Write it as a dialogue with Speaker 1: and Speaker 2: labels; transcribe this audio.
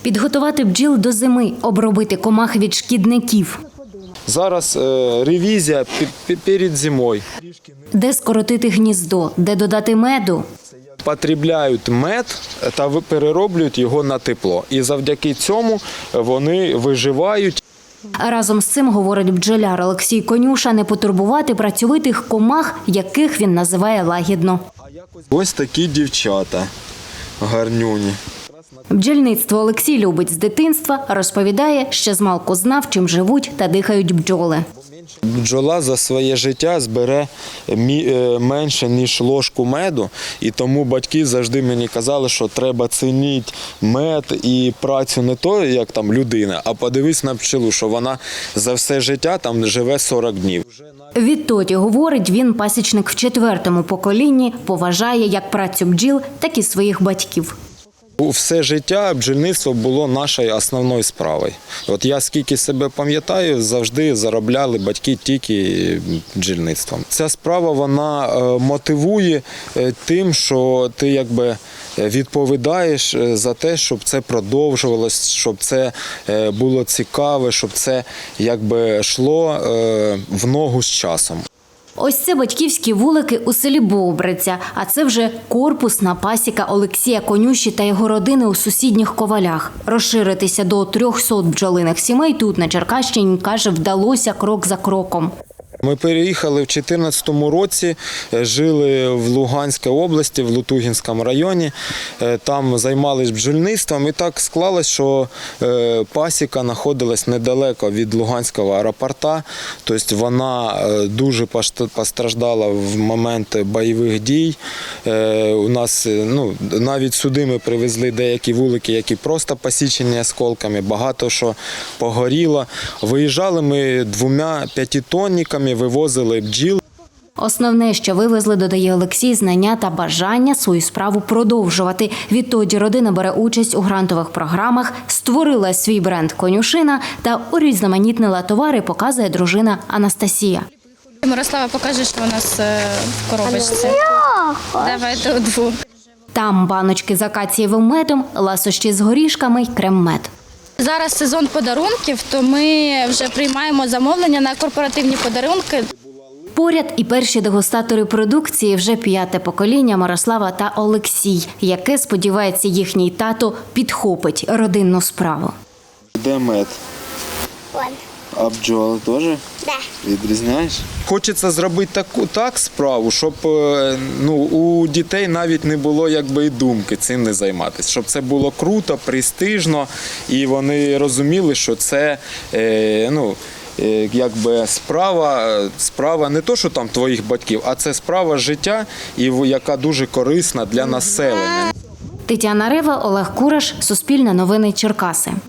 Speaker 1: Підготувати бджіл до зими, обробити комах від шкідників.
Speaker 2: Зараз ревізія перед зимою.
Speaker 1: Де скоротити гніздо, де додати меду.
Speaker 2: Потребляють мед та перероблюють його на тепло. І завдяки цьому вони виживають.
Speaker 1: Разом з цим, говорить бджоляр Олексій Конюша, не потурбувати працьовитих комах, яких він називає лагідно.
Speaker 2: Ось такі дівчата гарнюні.
Speaker 1: Бджільництво Олексій любить з дитинства, розповідає, що змалку знав, чим живуть та дихають бджоли.
Speaker 2: Бджола за своє життя збере менше, ніж ложку меду, і тому батьки завжди мені казали, що треба цінити мед і працю не то, як там людина, а подивись на пчелу, що вона за все життя там живе 40 днів.
Speaker 1: Відтоді, говорить, він пасічник в 4-му поколінні, поважає як працю бджіл, так і своїх батьків.
Speaker 2: Все життя бджільництво було нашою основною справою. От я скільки себе пам'ятаю, завжди заробляли батьки тільки бджільництвом. Ця справа, вона мотивує тим, що ти якби відповідаєш за те, щоб це продовжувалось, щоб це було цікаве, щоб це якби йшло в ногу з часом.
Speaker 1: Ось це батьківські вулики у селі Бобриця, а це вже корпусна пасіка Олексія Конюші та його родини у сусідніх Ковалях. Розширитися до 300 бджолиних сімей тут, на Черкащині, каже, вдалося крок за кроком.
Speaker 2: Ми переїхали в 2014 році, жили в Луганській області, в Лутугінському районі. Там займалися бджільництвом і так склалось, що пасіка знаходилась недалеко від Луганського аеропорта. Тобто вона дуже постраждала в момент бойових дій. У нас навіть сюди ми привезли деякі вулики, які просто посічені осколками, багато що погоріло. Виїжджали ми 2 п'ятитонниками, вивозили бджіл.
Speaker 1: Основне, що вивезли, додає Олексій, знання та бажання свою справу продовжувати. Відтоді родина бере участь у грантових програмах, створила свій бренд «Конюшина» та урізноманітнила товари, показує дружина Анастасія.
Speaker 3: Мирослава покаже, що у нас в коробочці. Давайте удвох.
Speaker 1: Там баночки з акацієвим медом, ласощі з горішками й крем-мед.
Speaker 3: Зараз сезон подарунків, то ми вже приймаємо замовлення на корпоративні подарунки.
Speaker 1: Поряд і перші дегустатори продукції, вже 5-те покоління Мирослава та Олексій, яке, сподівається, їхній тато підхопить родинну справу.
Speaker 2: Де мед? А бджоли теж?
Speaker 4: Да.
Speaker 2: Відрізняєш? Хочеться зробити так справу, щоб у дітей навіть не було якби і думки цим не займатися. Щоб це було круто, престижно, і вони розуміли, що це якби справа не то, що там твоїх батьків, а це справа життя, і яка дуже корисна для населення.
Speaker 1: Тетяна Рева, Олег Кураш, Суспільне новини, Черкаси.